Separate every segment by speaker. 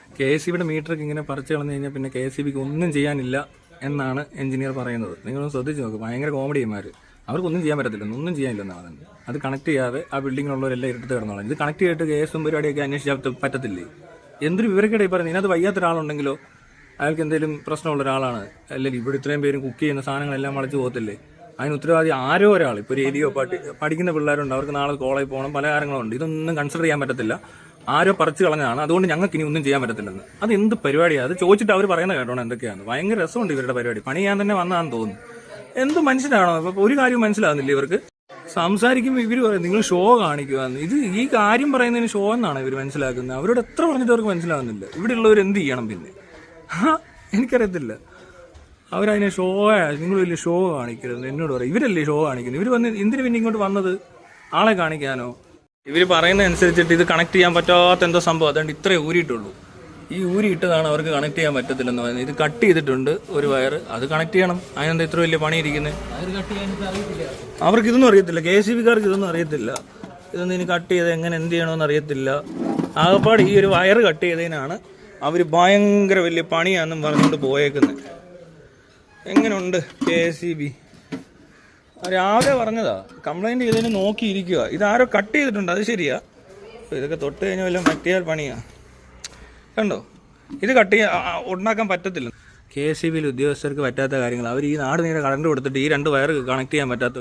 Speaker 1: KSEBിയുടെ മീറ്ററൊക്കെ ഇങ്ങനെ പറിച്ചു കളഞ്ഞു കഴിഞ്ഞാൽ പിന്നെ KSEBിക്ക് ഒന്നും ചെയ്യാനില്ല എന്നാണ് എഞ്ചിനീയർ പറയുന്നത്. നിങ്ങളൊന്ന് ശ്രദ്ധിച്ച് നോക്ക്, ഭയങ്കര കോമഡിമാർ. അവർക്കൊന്നും ചെയ്യാൻ പറ്റത്തില്ല, ഒന്നും ചെയ്യാനില്ലെന്നാണ് പറയുന്നത്. അത് കണക്ട് ചെയ്യാതെ ആ ബിൽഡിങ്ങിലുള്ളവരെല്ലാം ഇരുട്ട് കിടന്നോളാം. ഇത് കണക്ട് ചെയ്തിട്ട് കേസും പരിപാടിയൊക്കെ അന്വേഷിച്ചാൽ പറ്റത്തില്ലേ? എന്തൊരു വിവരക്കേടായി പറയുന്നത്. ഇതിനകത്ത് വയ്യാത്ത ഒരാളുണ്ടെങ്കിലോ അയാൾക്ക് എന്തെങ്കിലും പ്രശ്നമുള്ള ഒരാളാണ്, അല്ലെങ്കിൽ ഇവിടെ ഇത്രയും പേരും കുക്ക് ചെയ്യുന്ന സാധനങ്ങളെല്ലാം വളച്ചു പോകത്തില്ലേ? അതിന് ഉത്തരവാദി ആരോ ഒരാൾ. ഇപ്പോൾ ഒരു ഏരിയോ പഠിക്കുന്ന പിള്ളേരുണ്ട്, അവർക്ക് നാളെ കോളേജിൽ പോകണം, പല കാര്യങ്ങളുണ്ട്. ഇതൊന്നും കൺസിഡർ ചെയ്യാൻ പറ്റത്തില്ല. ആരോ പറിച്ചു കളഞ്ഞതാണ്, അതുകൊണ്ട് ഞങ്ങൾക്ക് ഇനി ഒന്നും ചെയ്യാൻ പറ്റത്തില്ലെന്ന്. അത് എന്ത് പരിപാടിയാണ്? അത് ചോദിച്ചിട്ട് അവർ പറയുന്നത് കേട്ടോണം എന്തൊക്കെയാണ്. ഭയങ്കര രസമുണ്ട് ഇവരുടെ പരിപാടി. പണി ചെയ്യാൻ തന്നെ വന്നതാണെന്ന് തോന്നുന്നു. എന്ത് മനുഷ്യനാണോ? അപ്പോൾ ഒരു കാര്യം മനസ്സിലാകുന്നില്ല ഇവർക്ക്. സംസാരിക്കുമ്പോൾ ഇവർ പറയും നിങ്ങൾ ഷോ കാണിക്കുകയെന്ന്. ഇത് ഈ കാര്യം പറയുന്നതിന് ഷോ എന്നാണ് ഇവർ മനസ്സിലാക്കുന്നത്. അവരോട് എത്ര പറഞ്ഞിട്ട് അവർക്ക് മനസ്സിലാകുന്നില്ല. ഇവിടെ ഉള്ളവർ എന്ത് ചെയ്യണം പിന്നെ? എനിക്കറിയത്തില്ല. അവരതിനെ ഷോ, നിങ്ങൾ വലിയ ഷോ കാണിക്കരുത് എന്നോട് പറയും. ഇവരല്ലേ ഷോ കാണിക്കുന്നത്? ഇവർ വന്ന് എന്തിനു പിന്നെ ഇങ്ങോട്ട് വന്നത്? ആളെ കാണിക്കാനോ? ഇവർ പറയുന്ന അനുസരിച്ചിട്ട് ഇത് കണക്ട് ചെയ്യാൻ പറ്റാത്ത എന്തോ സംഭവം, അതുകൊണ്ട് ഇത്രേ ഊരിയിട്ടുള്ളൂ. ഈ ഊരിയിട്ടതാണ് അവർക്ക് കണക്ട് ചെയ്യാൻ പറ്റത്തില്ലെന്ന് പറയുന്നത്. ഇത് കട്ട് ചെയ്തിട്ടുണ്ട് ഒരു വയർ, അത് കണക്ട് ചെയ്യണം. അതിനെന്താ ഇത്ര വലിയ പണിയിരിക്കുന്നത്? അവർക്ക് ഇതൊന്നും അറിയത്തില്ല. KSEBിക്കാർക്ക് ഇതൊന്നും അറിയത്തില്ല. ഇതൊന്നും ഇനി കട്ട് ചെയ്ത് എങ്ങനെ എന്ത് ചെയ്യണമെന്ന് അറിയത്തില്ല. ആകപ്പാട് ഈ ഒരു വയർ കട്ട് ചെയ്തതിനാണ് അവർ ഭയങ്കര വലിയ പണിയാണെന്നും പറഞ്ഞുകൊണ്ട് പോയേക്കുന്നത്. എങ്ങനെയുണ്ട് KSEB? രാവിലെ പറഞ്ഞതാ, കംപ്ലൈൻറ്റ് ചെയ്തതിന് നോക്കിയിരിക്കുക. ഇതാരോ കട്ട് ചെയ്തിട്ടുണ്ട്, അത് ശരിയാ. ഇതൊക്കെ തൊട്ട് കഴിഞ്ഞാൽ വല്ലതും പറ്റിയാൽ പണിയാ. കണ്ടോ, ഇത് കട്ട് ചെയ്യാൻ ഉണ്ടാക്കാൻ പറ്റത്തില്ല. KSEBിയിൽ ഉദ്യോഗസ്ഥർക്ക് പറ്റാത്ത കാര്യങ്ങൾ. അവർ ഈ നാട് നീരെ കറണ്ട് കൊടുത്തിട്ട് ഈ 2 വയർ കണക്ട് ചെയ്യാൻ പറ്റാത്ത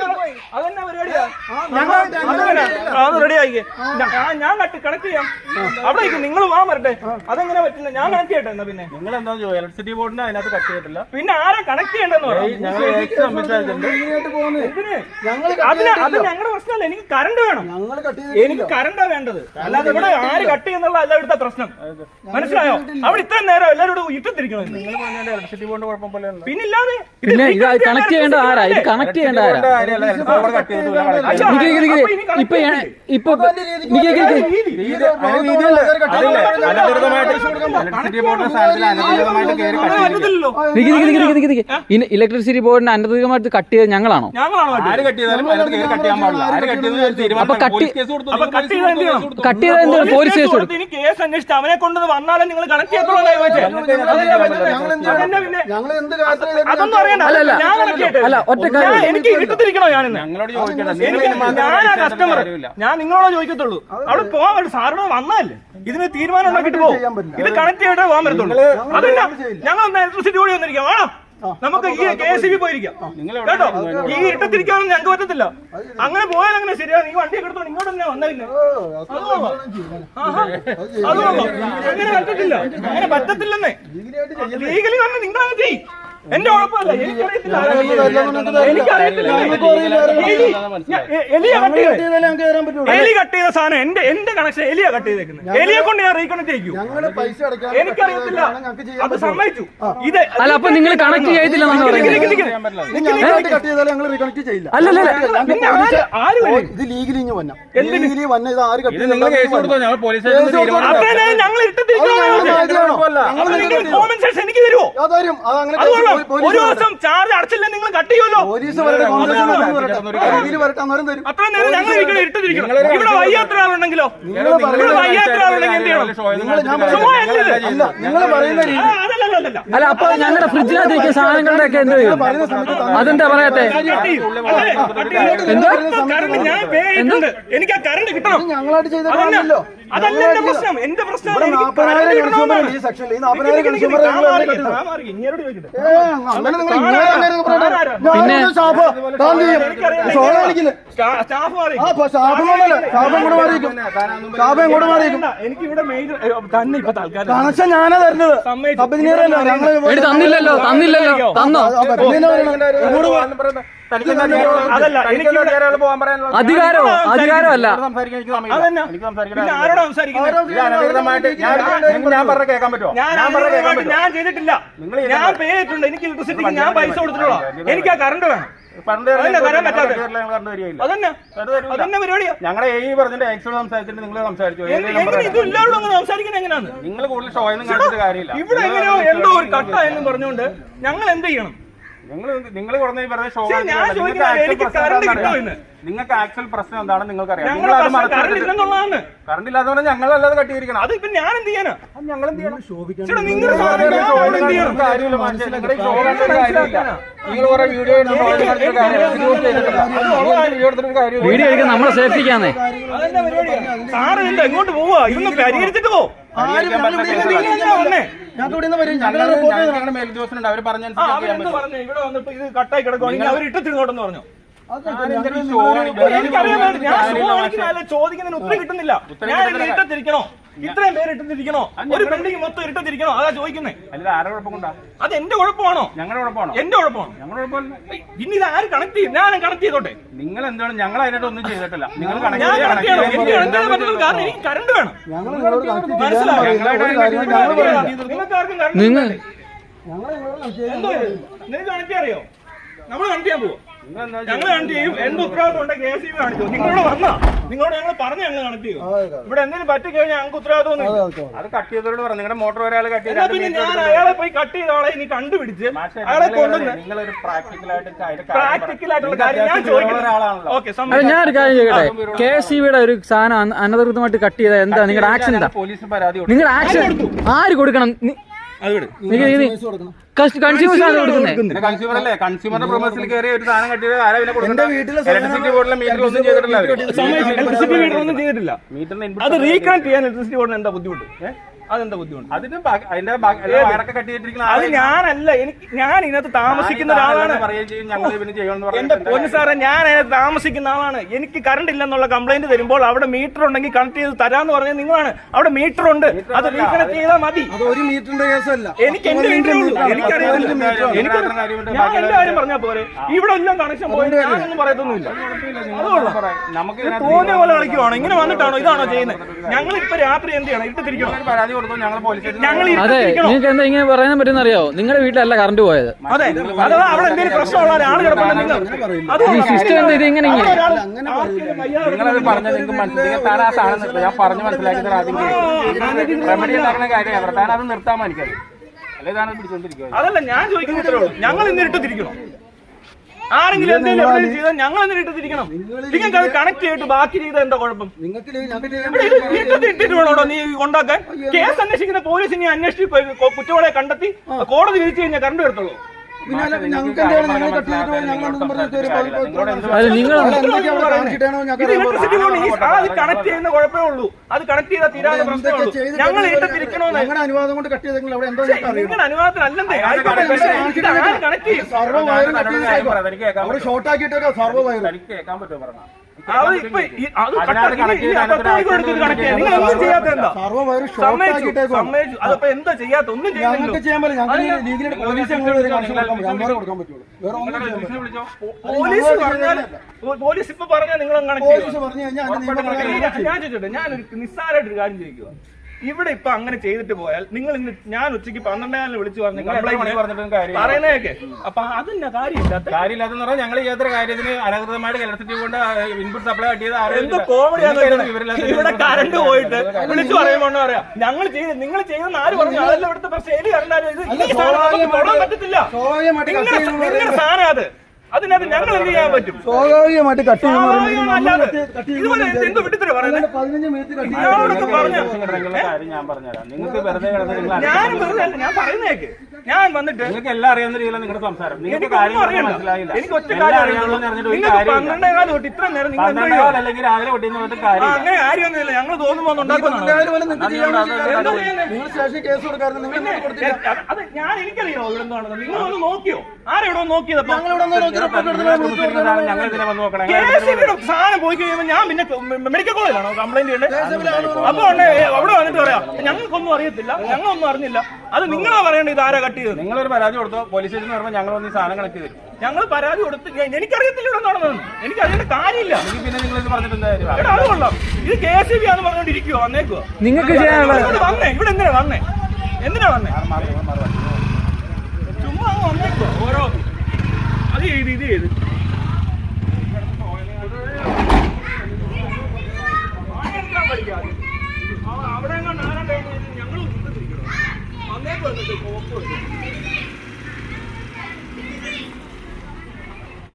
Speaker 1: ഞാൻ കണക്ട് ചെയ്യാം. അവിടെ നിങ്ങൾ വാ വരട്ടെ. അതെങ്ങനെ പറ്റില്ല? ഞാൻ കണക്ട് ചെയ്യട്ടെ. എന്നാ പിന്നെ നിങ്ങൾ എന്താ ഇലക്ട്രിസിറ്റി ബോർഡിന് അതിനകത്ത് കട്ട് ചെയ്തിട്ടില്ല. പിന്നെ ആരാ കണക്ട് ചെയ്യേണ്ടെന്ന് പറയാം. അത് ഞങ്ങളുടെ പ്രശ്നമല്ല. എനിക്ക് കറണ്ട് വേണം. എനിക്ക് കറണ്ടാ വേണ്ടത്. അല്ലാതെ ഇവിടെ ആര് കട്ട് ചെയ്യുന്നുള്ള അല്ല ഇവിടുത്തെ പ്രശ്നം. മനസ്സിലായോ? അവിടെ ഇത്രയും നേരം എല്ലാവരും ഇട്ടത്തിരിക്കണം. ഇലക്ട്രിസിറ്റി ബോർഡ് കുഴപ്പം പോലെ പിന്നില്ലാതെ
Speaker 2: കണക്ട് ചെയ്യേണ്ട ആരാ? ഇത് കണക്ട് ചെയ്യേണ്ട ആരാ? ഇലക്ട്രിസിറ്റി ബോർഡിന് അനധികൃതമായിട്ട് കട്ട് ചെയ്ത് ഞങ്ങളാണോ? അപ്പൊ കട്ട് ചെയ്ത പോലീസ് കേസ് കൊടുത്തു.
Speaker 1: കേസ് അന്വേഷിച്ച് അവനെ കൊണ്ട് വന്നാലും നിങ്ങൾ കണക്ട് ചെയ്യത്തുള്ളൂ. അതൊന്നും അറിയണ്ട.
Speaker 2: അല്ല, ഒറ്റ
Speaker 1: എനിക്ക് ഇട്ടത്തിരിക്കണോ? കസ്റ്റമർ ഞാൻ നിങ്ങളോട് ചോദിക്കത്തുള്ളൂ. അവിടെ പോവാൻ സാറിനോട് വന്നതല്ലേ, ഇതിന് തീരുമാനം ഉണ്ടാക്കിട്ട് പോകും. ഇത് കണക്ട് ചെയ്തിട്ടേ പോകാൻ പറ്റത്തുള്ളൂ. അതല്ല, ഞങ്ങൾ ഒന്ന് ഇലക്ട്രിസിറ്റി കൂടി വന്നിരിക്കാം. വേണം നമുക്ക് ഈ KSEB പോയിരിക്കാം കേട്ടോ. ഈ ഇട്ടത്തിരിക്കാനൊന്നും ഞങ്ങൾക്ക് പറ്റത്തില്ല. അങ്ങനെ പോയാൽ അങ്ങനെ ശരിയാ. നീ വണ്ടി എടുത്തോണ്ട് ഇങ്ങോട്ട് തന്നെ വന്നില്ല. അങ്ങനെ പറ്റത്തില്ല. അങ്ങനെ പറ്റത്തില്ലെന്നേ. ലീഗലി വന്ന് നിങ്ങളങ്ങനെ ചെയ്യും. എന്റെ ഉറപ്പല്ല. എനിക്കറിയത്തില്ല. എലി കട്ട് ചെയ്ത സാധനം എന്റെ കണക്ഷൻ എലിയാ കട്ട് ചെയ്തേക്കുന്നത്. എലിയെ കൊണ്ട് ഞാൻ റീകണക്ട് ചെയ്യും. എനിക്കറിയത്തില്ല. അത് സമ്മതിച്ചു. ഇത്
Speaker 2: അല്ല, അപ്പൊ നിങ്ങൾ കണക്ട് ചെയ്തില്ല.
Speaker 1: ഞങ്ങൾ എനിക്ക് തരുമോ? ഒരു ദിവസം ചാർജ് അടച്ചില്ല നിങ്ങൾ കട്ട് ചെയ്യുമല്ലോ. അത്ര നേരം ഞങ്ങൾ ഇട്ടിരിക്കണം. ഇവിടെ വയ്യാത്ര ആളുണ്ടെങ്കിലോ, ഇവിടെ വയ്യാത്ര ആളുണ്ടെങ്കിൽ എന്ത് ചെയ്യണം?
Speaker 2: അല്ല, അപ്പൊ ഞങ്ങളുടെ ഫ്രിഡ്ജിനകത്ത് സാധനങ്ങളുടെ ഒക്കെ എന്ത് ചെയ്യും? അതെന്താ പറയാത്തെ?
Speaker 1: ഞാൻ പേ ചെയ്തിട്ടുണ്ട്. എനിക്ക് ആ കറണ്ട് കിട്ടണം. അതല്ല എന്റെ പ്രശ്നം. എന്റെ പ്രശ്നം എനിക്കിവിടെ തന്നെ ഇപ്പൊ തൽക്കാലം കണക്ഷൻ ഞാനാ തരുന്നത്.
Speaker 2: തന്നില്ലല്ലോ. തന്നോ?
Speaker 1: അതല്ല, എനിക്ക്
Speaker 2: അധികാരമല്ല.
Speaker 1: ആരോടാ സംസാരിക്കുന്നത്? ഞാൻ ചെയ്തിട്ടില്ല. ഞാൻ പേ ചെയ്തിട്ടുണ്ട്. എനിക്ക് ഇലക്ട്രിസിറ്റിക്ക് ഞാൻ പൈസ കൊടുത്തിട്ടുള്ള. എനിക്ക് ആ കറണ്ട് വേണം. അതന്നെ പരിപാടിയാ.
Speaker 3: ഞങ്ങളെ പറഞ്ഞിട്ട് എക്സോട് സംസാരിച്ചിട്ട് നിങ്ങൾ സംസാരിച്ചു.
Speaker 1: സംസാരിക്കുന്നത് എങ്ങനെയാണ്?
Speaker 3: നിങ്ങൾ കൂടുതൽ ഷോയൊന്നും കാണിച്ചിട്ട് കാര്യമില്ല.
Speaker 1: ഇവിടെ എങ്ങനെയോ എന്തോ ഒരു കട്ട എന്ന് പറഞ്ഞുകൊണ്ട് ഞങ്ങൾ എന്ത് ചെയ്യണം?
Speaker 3: നിങ്ങൾ കുറഞ്ഞ വെറുതെ ഷോ
Speaker 4: ഞാൻ ചോദിക്കുന്നത് എനിക്ക് കറണ്ട് കിട്ടോ എന്ന്.
Speaker 3: നിങ്ങൾക്ക് ആക്ച്വൽ പ്രശ്നം എന്താണെന്ന് നിങ്ങൾക്കറിയാം.
Speaker 4: കറണ്ട്
Speaker 3: കറണ്ട് ഇല്ലാത്തവരെ ഞങ്ങളല്ലാതെ കട്ടിയിരിക്കണം.
Speaker 4: അത് ഇപ്പൊ ഞാൻ എന്ത് ചെയ്യാനാ?
Speaker 3: ഞങ്ങൾ എന്ത് ചെയ്യണം?
Speaker 4: നിങ്ങളുടെ
Speaker 3: കാര്യമില്ല മനുഷ്യൻ. നിങ്ങളുടെ ഷോ കണ്ടിട്ട് കാര്യമില്ല. നിങ്ങൾ കുറെ വീഡിയോ
Speaker 2: വീഡിയോ എടുക്കാൻ നമ്മളെ സേഫ്റ്റിക്കാന്നേ.
Speaker 4: അതെന്താ പരിപാടി? സാറ് എന്താ എങ്ങോട്ട് പോവാ? ഇതൊന്ന് പരിഹരിച്ചിട്ട് പോ.
Speaker 3: മേലുദ്യോഗസ്ഥനുണ്ട്. അവര് പറഞ്ഞ
Speaker 4: ഇവിടെ വന്നപ്പോ ഇത് കട്ടായി കിടക്കുവാണെങ്കിൽ അവർ ഇട്ടിരുന്നോട്ടെന്ന് പറഞ്ഞു. ചോദിക്കുന്നതിന് ഉത്തരം കിട്ടുന്നില്ല. ഞാൻ ഇട്ടത്തിരിക്കണോ? ഇത്രയും പേര് ഇട്ടത്തിരിക്കണോ? ഒരു ബിൽഡിംഗ് മൊത്തം ഇട്ടത്തിരിക്കണോ? അതാ ചോദിക്കുന്നേ.
Speaker 3: അല്ല ആരുടെ കുഴപ്പം കൊണ്ടാ?
Speaker 4: അത് എന്റെ കുഴപ്പമാണോ?
Speaker 3: ഞങ്ങളുടെ കുഴപ്പമാണോ?
Speaker 4: എന്റെ കുഴപ്പമാണ്.
Speaker 3: ഞങ്ങളുടെ കുഴപ്പമില്ല.
Speaker 4: ഇനി ഇത് ആര് കണക്ട് ചെയ്യും? ഞാൻ കണക്ട് ചെയ്തോട്ടെ.
Speaker 3: നിങ്ങൾ എന്താണ്? ഞങ്ങൾ അതിനായിട്ട് ഒന്നും ചെയ്തിട്ടില്ല. നിങ്ങൾ
Speaker 4: ഞാൻ കണക്ട് ചെയ്യണം. എനിക്ക് എന്താണ് പറ്റുന്നത്? കാരണം എനിക്ക് കറണ്ട് വേണം. മനസ്സിലായോ? നിങ്ങൾക്ക് ആർക്കും കറണ്ട്
Speaker 2: നിങ്ങൾ
Speaker 4: എന്തോ നിങ്ങൾക്ക് കണക്ട് ചെയ്യാൻ അറിയോ? നമ്മൾ കണക്ട് ചെയ്യാൻ പോവോ? ഞങ്ങൾ കണക്ട് ചെയ്യും. എന്ത് ഉത്തരവാദിത്വം ഉണ്ട് KSEB കാണിച്ചു? നിങ്ങളോട് വന്നാ നിങ്ങളോട് ഞങ്ങൾ പറഞ്ഞു ഞങ്ങൾ കണക്ട് ചെയ്യും. ഇവിടെ എന്തെങ്കിലും പറ്റിക്കഴിഞ്ഞാൽ ഞങ്ങൾക്ക് ഉത്തരവാദിത്വം
Speaker 3: അത് കട്ട് ചെയ്തവരോട് പറഞ്ഞു. നിങ്ങളുടെ മോട്ടോർ ഒരാൾ കട്ട്
Speaker 4: ചെയ്താൽ പിന്നെ ഞാൻ അയാളെ പോയി കട്ട് ചെയ്ത ആളെ ഇനി കണ്ടുപിടിച്ച് അയാളെ കൊണ്ടുവന്ന്
Speaker 3: നിങ്ങളൊരു
Speaker 4: പ്രാക്ടിക്കലായിട്ടുള്ള കാര്യം ഞാൻ ചോദിക്കുന്നത്. ഓക്കെ,
Speaker 2: ഞാൻ ഒരു കാര്യം ചോദിക്കട്ടെ. KSEBയുടെ ഒരു സാധനം അനധികൃതമായിട്ട് കട്ട് ചെയ്താൽ എന്താ നിങ്ങളുടെ ആക്ഷൻ? എന്താ
Speaker 3: പോലീസിന് പരാതി?
Speaker 2: നിങ്ങളുടെ ആക്ഷൻ ആര് കൊടുക്കണം? കൺസ്യൂമേഴ്സ് ആണ് കൊടുക്കുന്നത്.
Speaker 3: കൺസ്യൂമർ അല്ലേ? കൺസ്യൂമറുടെ പ്രൊമോസിൽ കയറി ഒരു സാധനം കട്ടിയത് ആരാ പിന്നെ കൊടുക്കുന്നത്? ഇലക്ട്രിസിറ്റി ബോർഡിലെ മീറ്റർ ഒന്നും ചെയ്തിട്ടില്ല.
Speaker 4: ഇലക്ട്രിസിറ്റി മീറ്റർ ഒന്നും ചെയ്തിട്ടില്ല. അത് റീകണക്ട് ചെയ്യാൻ ഇലക്ട്രിസിറ്റി ബോർഡിന് എന്താ ബുദ്ധിമുട്ട്? അതെന്താ ബുദ്ധിമുട്ട്?
Speaker 3: അതിന്റെ വയറൊക്കെ കട്ട് ചെയ്തിരിക്കുന്ന
Speaker 4: അത് ഞാനല്ല. ഞാൻ ഇതിനകത്ത് താമസിക്കുന്ന ഒരാളാണ്. എന്റെ പൊന്നു സാറേ, ഞാൻ അതിനകത്ത് താമസിക്കുന്ന ആളാണ്. എനിക്ക് കറണ്ട് ഇല്ലെന്നുള്ള കംപ്ലൈന്റ് തരുമ്പോൾ അവിടെ മീറ്റർ ഉണ്ടെങ്കിൽ കണക്ട് ചെയ്ത് തരാന്ന് പറഞ്ഞത് നിങ്ങളാണ്. അവിടെ മീറ്റർ ഉണ്ട്, അത് റീകണക്ട് ചെയ്താൽ മതി. എനിക്ക് എന്റെ വീട്ടിലേ ഉള്ളൂ. എനിക്കറിയില്ല. ഞാൻ എന്റെ കാര്യം പറഞ്ഞാൽ പോരെ. ഇവിടെ എല്ലാം കണക്ഷൻ പോയി ഞാനൊന്നും പറയത്തൊന്നുമില്ല.
Speaker 3: നമുക്ക്
Speaker 4: തോന്നിയ പോലെ കളിക്കുവാണോ? ഇങ്ങനെ വന്നിട്ടാണോ ഇതാണോ ചെയ്യുന്നത്? ഞങ്ങൾ ഇപ്പൊ രാത്രി എന്ത് ചെയ്യണം? ഇട്ടിരിക്കണം.
Speaker 2: അതെ, നിങ്ങൾക്ക് എന്താ ഇങ്ങനെ പറയാൻ പറ്റുന്ന അറിയാവോ? നിങ്ങളുടെ വീട്ടിലല്ല കറണ്ട് പോയത്.
Speaker 4: അതെ, അഥവാ അവിടെ എന്തെങ്കിലും പ്രശ്നമുള്ള ഒരാൾ കിടപ്പുണ്ടെങ്കിൽ
Speaker 2: സിസ്റ്റം എന്താ ഇത് ഇങ്ങനെ
Speaker 3: നിങ്ങളത് പറഞ്ഞ നിങ്ങൾക്ക് മനസ്സിലാക്കി താൻ ആ സാധനം ഞാൻ പറഞ്ഞു മനസ്സിലാക്കി ആദ്യം റെമഡി ഉണ്ടാക്കുന്ന കാര്യമാണ്. താൻ അത് നിർത്താൻ എനിക്കത് അല്ലെ? താൻ പിടിച്ചോണ്ടിരിക്കുക.
Speaker 4: അതല്ല ഞാൻ ചോദിക്കുന്നത്. ഞങ്ങൾ ഇന്ന് ഇട്ടിരിക്കണം. ആരെങ്കിലും എന്തെങ്കിലും ചെയ്താൽ ഞങ്ങൾ എന്തിനും ഇട്ടിരിക്കണം? നിങ്ങൾക്ക് അത് കണക്ട് ചെയ്തിട്ട് ബാക്കി ചെയ്താൽ എന്താ കുഴപ്പം? ഇട്ടിട്ട് വേണോടോ നീ ഉണ്ടാക്കാൻ? കേസ് അന്വേഷിക്കുന്ന പോലീസ് ഇനി അന്വേഷിച്ച് കുറ്റവാളിയെ കണ്ടെത്തി കോടതി വിധിച്ചു കഴിഞ്ഞാൽ കറണ്ട് എടുത്തോളൂ. അത് കണക്ട് ചെയ്യുന്ന കുഴപ്പമേ ഉള്ളൂ. അത് കണക്ട് ചെയ്താൽ തീരാതെ പ്രശ്നമേ ഉള്ളൂ. ഞങ്ങൾ ഇട്ടിരിക്കണോന്ന്
Speaker 3: അനുവാദം കൊണ്ട് കട്ട് ചെയ്തെങ്കിൽ
Speaker 4: നിങ്ങളുടെ അനുവാദത്തിനല്ലെന്നേ. കണക്ട് ചെയ്യും.
Speaker 3: ഷോർട്ട് ആക്കിയിട്ട് സർവ്വ വയർ കേൾക്കാൻ പറ്റുമോ? പറഞ്ഞാൽ
Speaker 4: അതപ്പോ എന്താ ചെയ്യാത്ത? ഒന്നും പോലീസ് ഇപ്പൊ പറഞ്ഞാൽ നിങ്ങൾ ഞാൻ ചോദിച്ചോട്ടെ, ഞാനൊരു നിസ്സാരമായിട്ടൊരു കാര്യം ചോദിക്കുക. ഇവിടെ ഇപ്പൊ അങ്ങനെ ചെയ്തിട്ട് പോയാൽ നിങ്ങൾ ഇന്ന് ഞാൻ ഉച്ചയ്ക്ക് 12 വിളിച്ചു പറഞ്ഞു പറയുന്നതൊക്കെ. അപ്പൊ അതിന്റെ കാര്യമില്ലാത്തെന്ന് പറഞ്ഞാൽ ഞങ്ങൾ ചെയ്യാത്ത കാര്യത്തിന് അനധികൃതമായിട്ട് ഇലക്ട്രിസിറ്റി കൊണ്ട് ഇൻപുട്ട് സപ്ലൈ കട്ടിയത് എന്തോ കോമഡിയാണ്. ഇവിടെ കറണ്ട് പോയിട്ട് വിളിച്ചു പറയുമ്പോൾ പറയാം ഞങ്ങൾ ചെയ്ത് നിങ്ങൾ ചെയ്യുന്ന ആര് പറഞ്ഞു? അതെല്ലാം ഇവിടുത്തെ പ്രശ്നം കണ്ടാലും പറ്റത്തില്ല. നിങ്ങളുടെ സാധനം അതിനകത്ത് ഞങ്ങൾ എന്ത് ചെയ്യാൻ പറ്റും?
Speaker 3: സ്വാഭാവികമായിട്ട് കട്ട്
Speaker 4: എന്തോ വിട്ടിട്ട് പറയുന്നത് ഞാൻ വെറുതെ ഞാൻ പറയുന്നേക്ക്. ഞാൻ വന്നിട്ട്
Speaker 3: നിങ്ങൾക്ക് എല്ലാം അറിയാവുന്ന രീതിയിലാണ് നിങ്ങളുടെ സംസാരം. നിങ്ങൾക്ക് മനസ്സിലായില്ല.
Speaker 4: എനിക്ക് ഒറ്റ കാര്യം 12 തൊട്ട് ഇത്ര നേരം നിങ്ങൾ
Speaker 3: അല്ലെങ്കിൽ രാവിലെ കൊട്ടിന്ന് കാര്യം
Speaker 4: അങ്ങനെ കാര്യമൊന്നുമില്ല. ഞങ്ങൾ തോന്നുമ്പോ അത് ഞാൻ എനിക്കറിയോ ഇവിടെ എന്താണെന്ന്. നിങ്ങളൊന്ന് നോക്കിയോ? ആരെവിടെ നോക്കിയതപ്പോ? സാധനം പോയി കഴിയുമ്പോൾ ഞാൻ പിന്നെ മെഡിക്കൽ കോളേജിലാണോ കംപ്ലൈന്റ് ചെയ്യേണ്ടത്? അപ്പൊ അവിടെ വന്നിട്ട് പറയാം ഞങ്ങൾക്കൊന്നും അറിയത്തില്ല, ഞങ്ങളൊന്നും അറിഞ്ഞില്ല. അത് നിങ്ങളാ പറയേണ്ടത്. ഇത് ആരാ കട്ട് ചെയ്തത്?
Speaker 3: നിങ്ങളൊരു പരാതി കൊടുത്തോ പോലീസ് സ്റ്റേഷനിൽ പറയുമ്പോൾ ഞങ്ങൾ വന്ന് സാധനം കളക്ട് ചെയ്തു.
Speaker 4: ഞങ്ങൾ പരാതി കൊടുത്ത് എനിക്കറിയത്തില്ല ഇവിടെ നടന്നതെന്ന്. എനിക്കറിയേണ്ട കാര്യമില്ല.
Speaker 3: പിന്നെ നിങ്ങൾ പറഞ്ഞിട്ട്
Speaker 4: അത് കൊള്ളാം. ഇത് KSEB ആന്ന് പറഞ്ഞോണ്ടിരിക്കുവോ? വന്നേക്കുവോ?
Speaker 2: നിങ്ങൾക്ക്
Speaker 4: വന്നേ ഇവിടെ എന്തിനാ വന്നേ? എന്തിനാ വന്നേ? ചുമ്മാ വന്നേക്കോ ഓരോ അത് ചെയ്ത് ഇത് ചെയ്ത്